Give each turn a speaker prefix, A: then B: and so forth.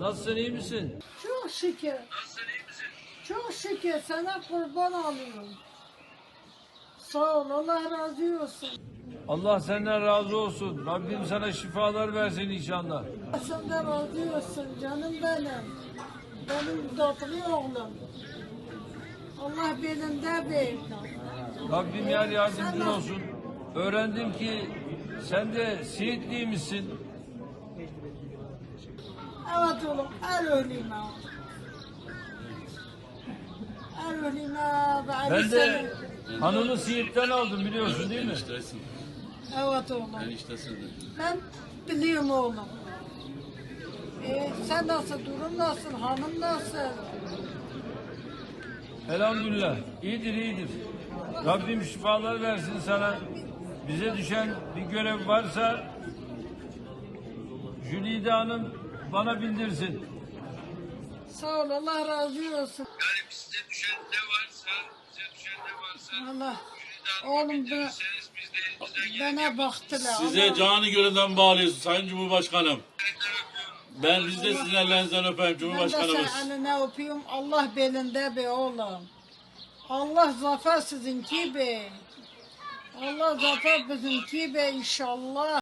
A: Nasılsın, iyi misin?
B: Çok şükür.
A: Nasılsın, iyi misin?
B: Çok şükür sana kurban alıyorum. Sağ ol, Allah razı olsun.
A: Allah senden razı olsun. Rabbim sana şifalar versin inşallah.
B: Senden razı olsun canım benim. Benim tatlı oğlum. Allah belinde bir.
A: Rabbim yar yardımcın olsun. Öğrendim ki sen de Siitliymişsin.
B: Evet oğlum, el ölüme. El ölüme.
A: Ben de hanımı Siirt'ten aldım biliyorsun değil mi?
C: Eniştesin.
B: Evet oğlum.
C: Eniştesin.
B: Ben biliyorum oğlum. Sen nasıl, durum nasıl, hanım nasıl?
A: Elhamdülillah. İyidir, iyidir. Rabbim şifalar versin sana. Bize düşen bir görev varsa Jülide Hanım bana bildirsin.
B: Sağ ol, Allah razı olsun.
A: Yani size düşen ne varsa
B: Allah, oğlum bana baktılar.
C: Size
B: Allah.
C: canı gönülden bağlıyız Sayın Cumhurbaşkanım. Biz de sizin ellerinizden öpeyim
B: Ben de
C: Cumhurbaşkanımız.
B: sen eline öpüyorum. Allah belinde be oğlum. Allah zafer sizinki be. Allah zafer bizimki be inşallah.